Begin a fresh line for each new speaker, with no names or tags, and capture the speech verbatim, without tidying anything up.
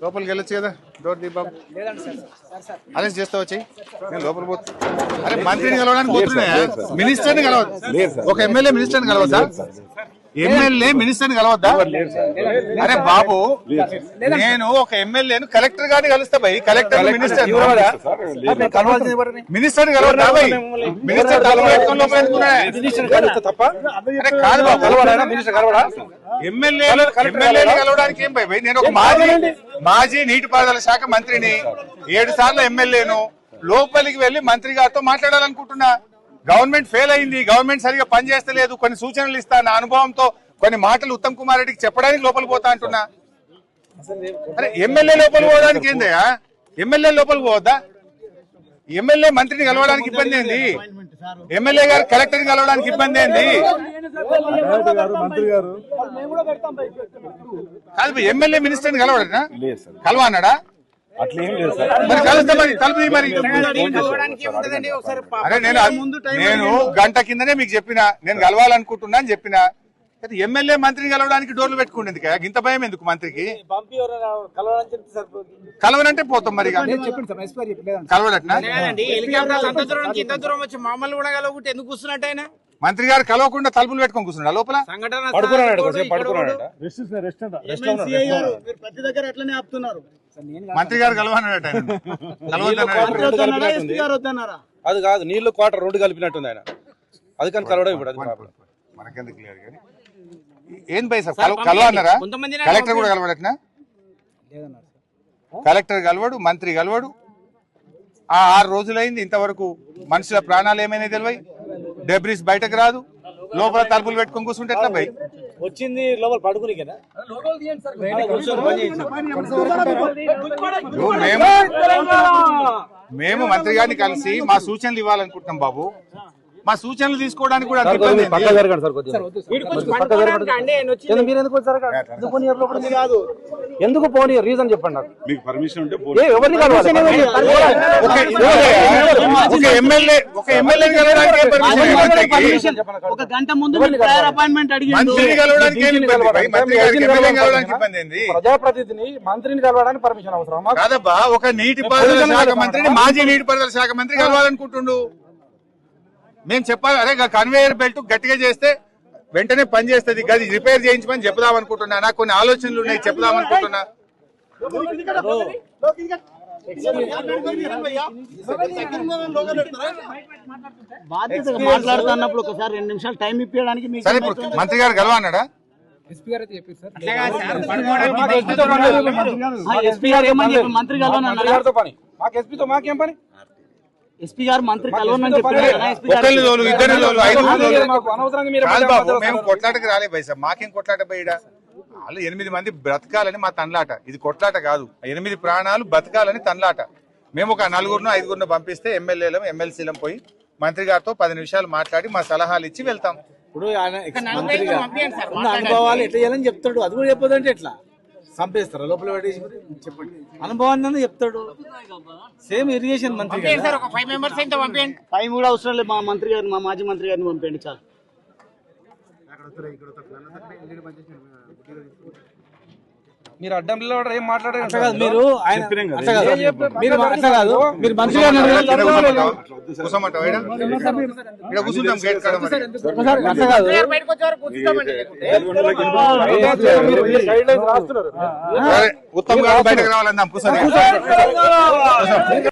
లోపలికి వెళ్ళొచ్చు కదా డోర్ దీపం అరెస్ట్ చేస్తా వచ్చి నేను లోపల పోతా. అరే మంత్రిని కలవడానికి పోతున్నాయా? మినిస్టర్ని కలవద్దు. ఒక ఎమ్మెల్యే మినిస్టర్ని కలవద్దా? ఎమ్మెల్యే మినిస్టర్ని కలవద్దా? అరే బాబు, నేను ఒక ఎమ్మెల్యేను కలెక్టర్ గారిని కలుస్తా భయ్. కలెక్టర్ మినిస్టర్ మినిస్టర్ కలవద్దా భయ్? మినిస్టర్ కాదు బాబు, ఎమ్మెల్యేలు ఎమ్మెల్యేలు కలవడానికి ఏం భయ్? నేను ఒక మాజీ మాజీ నీటిపారుదల శాఖ మంత్రిని, ఏడు సార్లు ఎమ్మెల్యేను. లోపలికి వెళ్లి మంత్రి గారితో మాట్లాడాలనుకుంటున్నా. గవర్నమెంట్ ఫెయిల్ అయింది, గవర్నమెంట్ సరిగా పనిచేస్తలేదు, కొన్ని సూచనలు ఇస్తా, నా అనుభవంతో కొన్ని మాటలు ఉత్తమ్ కుమార్ రెడ్డికి చెప్పడానికి లోపలికి పోతా అంటున్నా. అరే ఎమ్మెల్యే లోపలికి పోవడానికి ఏందయ్యా? ఎమ్మెల్యే లోపలికి పోవద్దా? ఎమ్మెల్యే మంత్రిని కలవడానికి ఇబ్బంది ఏంది? ఎమ్మెల్యే గారు కలెక్టర్ని కలవడానికి ఇబ్బంది ఏంది? కాదు ఎమ్మెల్యే మినిస్టర్ని కలవడనా? కలవ అన్నాడా? మరి కలుస్తా మరి కలుపు మరి. అరే నేను నేను గంట కిందనే మీకు చెప్పిన నేను కలవాలనుకుంటున్నా అని చెప్పిన. ఎమ్మెల్యే మంత్రిని కలవడానికి డోర్లు పెట్టుకుంటుంది కదా, ఇంత భయం ఎందుకు మంత్రికి? కలవనంటే పోతాం మరి. కలవడట్నా? మంత్రి గారు కలవకుండా తలుపులు పెట్టుకొని కూర్చున్నాడు లోపల. మంత్రి గారు కలవన్నాడట.
అది కాదు, నీళ్లు క్వార్టర్ రోడ్డు కలిపినట్టుంది ఆయన, అది కానీ కలవడం ఇప్పుడు
మనకెందుకు క్లియర్ కానీ ఏం భయ సార్ కలవ అన్నారా? కలెక్టర్ కూడా కలవడట్నా? కలెక్టర్ కలవడు, మంత్రి కలవడు. ఆ ఆరు రోజులైంది ఇంతవరకు మనుషుల ప్రాణాలు ఏమైనా తెలివై, డెబ్రిస్ బయటకు రాదు, లోపల తలుపులు పెట్టుకొని కూర్చుంటే ఎట్లా భయ్?
వచ్చింది లోపల పడుకుని కదా.
మేము మంత్రి గారిని కలిసి మా సూచనలు ఇవ్వాలనుకుంటున్నాం బాబు. మా సూచనలు తీసుకోవడానికి కూడా
ఎందుకు పోనీ రీజన్ చెప్పండి నాకు.
మీకు పర్మిషన్ ఉంటే ఒక ఎమ్మెల్యే ఒక ఎమ్మెల్యే
ఒక గంట ముందు అపాయింట్మెంట్ అడిగి
ప్రజాప్రతినిధిని మంత్రిని కలవడానికి పర్మిషన్ అవసరం
కాదబ్బా. ఒక నీటిపారుదల శాఖ మంత్రిని మాజీ నీటిపారుదల శాఖ మంత్రి కలవాలనుకుంటుండు. మేము చెప్పాలి, అరే కన్వేయర్ బెల్ట్ గట్టిగా చేస్తే వెంటనే పని చేస్తుంది, గది రిపేర్ చేయించమని చెప్దాం అనుకుంటున్నా. నాకు కొన్ని ఆలోచనలు ఉన్నాయి, చెప్దాం అనుకుంటున్నా.
మాట్లాడుతున్నప్పుడు ఒకసారి రెండు నిమిషాలు టైం ఇప్పించడానికి
సరే మంత్రి గారు కలవన్నాడా?
ఎస్పీ గారు ఏమని చెప్పి మంత్రి కలవనన్నారా?
మాకు ఎస్పీతో మాకేం పని?
ఎస్పీ గారు మంత్రి కలవనని చెప్పారు.
మేము కొట్లాటకి రాలే భయ్ సార్. మాకేం కొట్లాట పోయిడా? వాళ్ళు ఎనిమిది మంది బ్రతకాలని మా తన్లాట, ఇది కొట్లాట కాదు. ఎనిమిది ప్రాణాలు బతకాలని తన్లాట. మేము ఒక నలుగురును ఐదుగురును పంపిస్తే ఎమ్మెల్యేలం ఎమ్మెల్సీలం పోయి మంత్రి గారితో పది నిమిషాలు మాట్లాడి మా సలహాలు ఇచ్చి వెళ్తాం.
ఇప్పుడు అనుభవాలు ఎట్లా చేయాలని చెప్తాడు, అది కూడా చెప్పదంటే ఎట్లా చంపేస్తారా లోపల పడేసి? చెప్పండి, అనుభవాన్ని చెప్తాడు. సేమ్ ఇరిగేషన్ మంత్రి
ఫైవ్ కూడా అవసరం లేదు. మా మంత్రి గారిని, మా మాజీ మంత్రి గారిని పంపండి చాలు.
మీరు అడ్డం ఏం మాట్లాడారు? మీరు మీరు అట్లా కాదు, మీరు మంత్రి గారిని
ఉత్తమ్ గారు బయటకు రావాలన్నా కూర్చొని